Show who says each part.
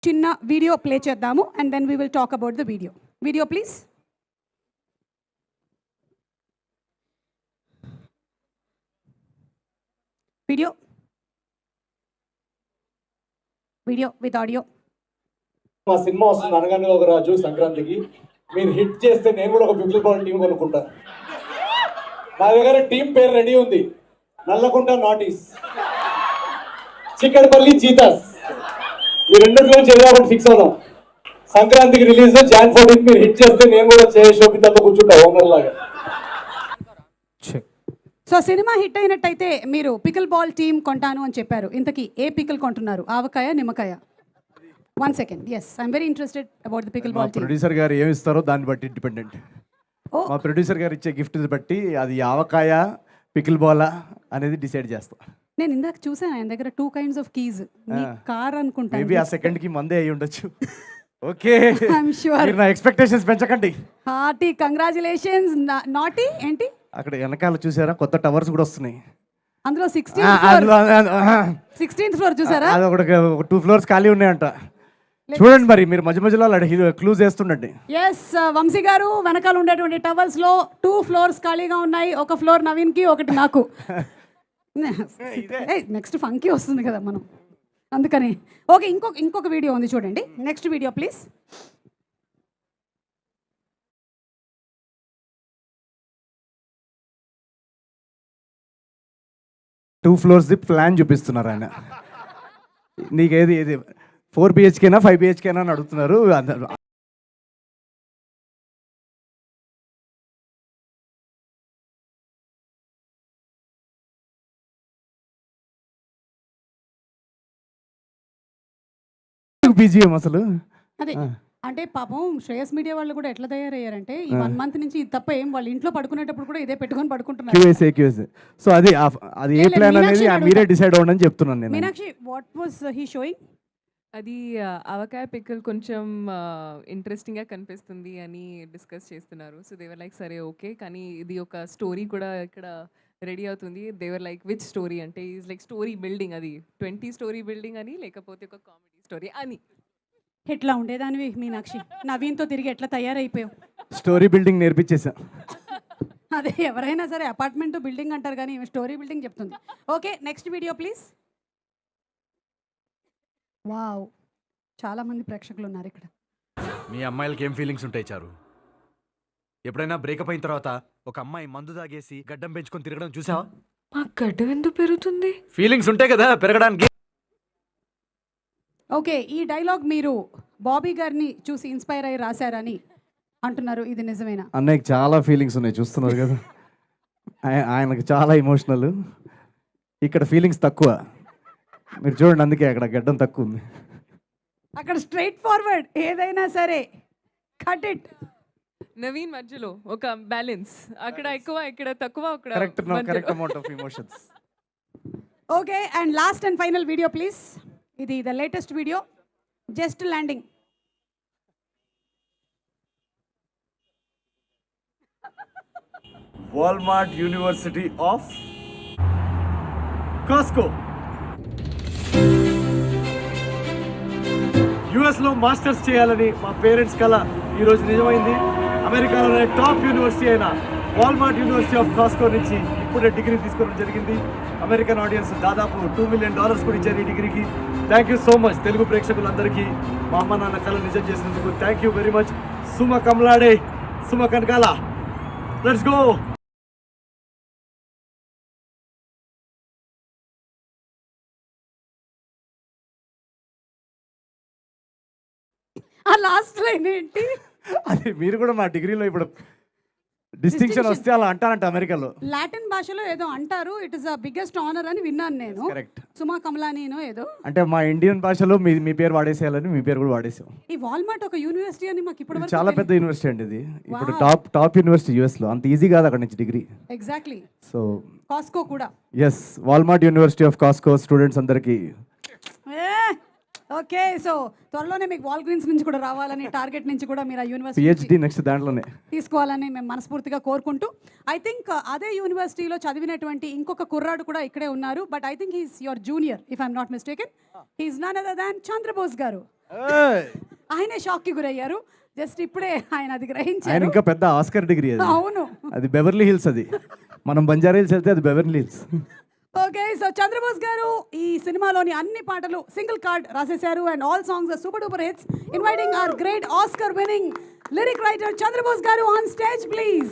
Speaker 1: చిన్న video play చేద్దాము and then we will talk about the video please. Video with audio.
Speaker 2: మా cinema వస్తుంది అనగానే ఒక రాజు సంక్రాంతికి. మీరు హిట్ చేస్తే నేను కూడా ఒక పిక్చర్ బాల్ టీం కొనుక్కుంటా. నా దగ్గర టీం పేరు రెడీ ఉంది. Nallakunta naughties, Chikkadpally cheetahs. ఈ రెండిట్లో ఏదో ఒకటి ఫిక్స్ అవుదాం. సంక్రాంతికి రిలీజ్ Jan 14. మీరు హిట్ చేస్తే నేను కూడా శోభితతో కూర్చుంటా ఓనర్ లాగా.
Speaker 1: సో సినిమా హిట్ అయినట్టయితే మీరు పికిల్ బాల్ టీమ్ కొంటాను అని చెప్పారు. ఇంతకీ ఏ పికిల్ కొంటున్నారు? ఆవకాయ, నిమ్మకాయ? 1 second. Yes, I'm very interested about the pickle ball team.
Speaker 3: Producer గారు ఏమి ఇస్తారో దాన్ని బట్టి డిపెండెంట్. మా ప్రొడ్యూసర్ గారు ఇచ్చే గిఫ్ట్ బట్టి అది ఆవకాయ, పికిల్ బాల్ అనేది డిసైడ్ చేస్తా.
Speaker 1: నేను ఇందాక చూసాను ఆయన దగ్గర 2 kinds of keys. మీ కార్ అనుకుంటా.
Speaker 3: మేబీ ఆ సెకండ్ కి మందే అయి ఉండొచ్చు. Okay,
Speaker 1: I'm sure.
Speaker 3: మీరు నా ఎక్స్పెక్టేషన్స్ పెంచకండి.
Speaker 1: Hearty congratulations. నాటి ఏంటి
Speaker 3: అక్కడ వెనకాల చూసారా కొత్త టవర్స్ కూడా వస్తున్నాయి.
Speaker 1: అందులో 16th floor చూసారా?
Speaker 3: అది ఒక 2 floors ఖాళీ ఉన్నాయంట. చూడండి మరి మీరు మధ్య మధ్యలో క్లూజ్ చేస్తుండండి.
Speaker 1: ఎస్, వంశీ గారు వెనకాల ఉండేటువంటి టవర్స్ లో 2 floors ఖాళీగా ఉన్నాయి. ఒక ఫ్లోర్ నవీన్ కి, ఒకటి నాకు. నెక్స్ట్ ఫంకీ వస్తుంది కదా మనం, అందుకని. ఓకే, ఇంకొక వీడియో ఉంది చూడండి. Next video please.
Speaker 3: Two floors plan చూపిస్తున్నారు ఆయన. నీకేది 4 BHKనా 5 BHKనా అని అడుగుతున్నారు. బీజిఎం అసలు
Speaker 1: అదే అంటే పాపం శ్రేయస్ మీడియా వాళ్ళు కూడా ఎట్లా తయారయ్యారంటే ఈ 1 month నుంచి ఇది తప్ప ఏం వాళ్ళు ఇంట్లో పడుకునేటప్పుడు కూడా ఇదే పెట్టుకొని పడుకుంటున్నారు.
Speaker 3: సో అది ఏ ప్లాన్ అనేది మీరే డిసైడ్ అవ్వండి అని చెప్తున్నాను నేను.
Speaker 1: Meenakshi, what was he showing?
Speaker 4: అది ఆవకాయ పిక్కల్ కొంచెం ఇంట్రెస్టింగ్గా కనిపిస్తుంది అని డిస్కస్ చేస్తున్నారు. సో దేవర్ లైక్ సరే ఓకే, కానీ ఇది ఒక స్టోరీ కూడా ఇక్కడ రెడీ అవుతుంది. దేవర్ లైక్ విచ్ స్టోరీ అంటే ఈజ్ లైక్ స్టోరీ బిల్డింగ్, అది 20 story బిల్డింగ్ అని, లేకపోతే ఒక కామెడీ స్టోరీ అని.
Speaker 1: ఎట్లా ఉండేదానివి మీనాక్షి, నవీన్తో తిరిగి ఎట్లా తయారైపోయావు?
Speaker 3: Story building నేర్పించేసా.
Speaker 1: అదే ఎవరైనా సరే అపార్ట్మెంట్ బిల్డింగ్ అంటారు కానీ స్టోరీ బిల్డింగ్ చెప్తుంది. Okay, next video please. Wow, చాలా మంది ప్రేక్షకులు ఉన్నారు ఇక్కడ.
Speaker 5: మీ అమ్మాయిలకి ఏం ఫీలింగ్స్ ఉంటాయి చారు? ఎప్పుడైనా బ్రేకప్ అయిన తర్వాత ఒక అమ్మాయి మందు తాగేసి గడ్డం పెంచుకొని తిరగడం చూసావా?
Speaker 4: మా గడ్డం ఎందుకు పెరుగుతుంది?
Speaker 5: ఫీలింగ్స్ ఉంటాయి కదా పెరగడానికి.
Speaker 1: ఓకే, ఈ డైలాగ్ మీరు బాబీ గారిని చూసి ఇన్స్పైర్ అయ్యి రాశారని అంటున్నారు, ఇది నిజమేనా?
Speaker 3: అన్నయ్యకి చాలా ఫీలింగ్స్ ఉన్నాయి, చూస్తున్నారు కదా. ఆయనకు చాలా ఇమోషనల్, ఇక్కడ ఫీలింగ్స్ తక్కువ. మీరు చూడండి, అందుకే అక్కడ గడ్డం తక్కువ ఉంది.
Speaker 1: అక్కడ స్ట్రైట్ ఫార్వర్డ్, ఏదైనా సరే కట్ ఇట్.
Speaker 4: నవీన్ మధ్యలో ఒక బ్యాలెన్స్, అక్కడ ఎక్కువ ఇక్కడ తక్కువ.
Speaker 3: Correct amount of emotions.
Speaker 1: Okay, and last and final video please. ఇది the latest video, just landing.
Speaker 3: Walmart university of Costco యుఎస్లో మాస్టర్స్ చేయాలని మా పేరెంట్స్ కల ఈరోజు నిజమైంది. అమెరికాలోనే టాప్ యూనివర్సిటీ అయిన వాల్మార్ట్ యూనివర్సిటీ ఆఫ్ కాస్కో నుంచి ఇప్పుడే డిగ్రీ తీసుకోవడం జరిగింది. అమెరికన్ ఆడియన్స్ దాదాపు $2 million కూడా ఇచ్చారు ఈ డిగ్రీకి. Thank you so much Telugu ప్రేక్షకులందరికీ మా అమ్మ నాన్న కళ నిజం చేసినందుకు thank you very much. Suma కమలాడే, సుమ కనకాల, లెట్స్ గో.
Speaker 1: ఆ లాస్ట్ లైన్ ఏంటి?
Speaker 3: అది మీరు కూడా మా డిగ్రీలో ఇప్పుడు డిస్టింక్షన్ వస్తే అలా అంటారంట అమెరికాలో.
Speaker 1: లాటిన్ భాషలో ఏదో అంటారు, it is the biggest honour అని విన్నాను నేను.
Speaker 3: కరెక్ట్,
Speaker 1: సుమా కమలానీనో ఏదో.
Speaker 3: అంటే మా ఇండియన్ భాషలో మీ పేరు వాడేసేయాలని మీ పేరు కూడా వాడేసాం.
Speaker 1: ఈ వాల్మార్ట్ ఒక యూనివర్సిటీ అని మాకు ఇప్పుడు
Speaker 3: చాలా పెద్ద యూనివర్సిటీ అండి ఇది. ఇప్పుడు టాప్ యూనివర్సిటీ యుఎస్ లో. అంత ఈజీ కాదు అక్కడ నుంచి డిగ్రీ.
Speaker 1: ఎగ్జాక్ట్లీ.
Speaker 3: సో
Speaker 1: కాస్కో కూడా.
Speaker 3: Yes, Walmart university of Costco students అందరికీ.
Speaker 1: ఓకే, సో త్వరలోనే మీకు వాల్ గ్రీన్స్ నుంచి కూడా రావాలని, టార్గెట్ నుంచి కూడా మీరు ఆ యూనివర్సిటీ
Speaker 3: పిహెచ్డి నెక్స్ట్ దాంట్లోనే
Speaker 1: తీసుకోవాలని మేము మనస్ఫూర్తిగా కోరుకుంటూ, ఐ థింక్ అదే యూనివర్సిటీలో చదివినటువంటి ఇంకొక కుర్రాడు కూడా ఇక్కడే ఉన్నారు. But I think he's your junior if I'm not mistaken. He's none other than Chandrabose garu. ఆయనే షాక్కి గురయ్యారు. జస్ట్ ఇప్పుడే ఆయన అది
Speaker 3: ఆయన
Speaker 1: గ్రహించారు.
Speaker 3: ఇంకా పెద్ద ఆస్కర్ డిగ్రీ అది.
Speaker 1: అవును.
Speaker 3: అది బెవర్లీ హిల్స్, అది మనం బంజారా హిల్స్ వెళ్తే అది Beverly Hills.
Speaker 1: Okay, so Chandrabose garu ఈ సినిమాలోని అన్ని పాటలు సింగిల్ కార్డ్ రాసేశారు and all songs are super duper hits. Inviting our great Oscar winning lyric writer Chandrabose garu on stage please.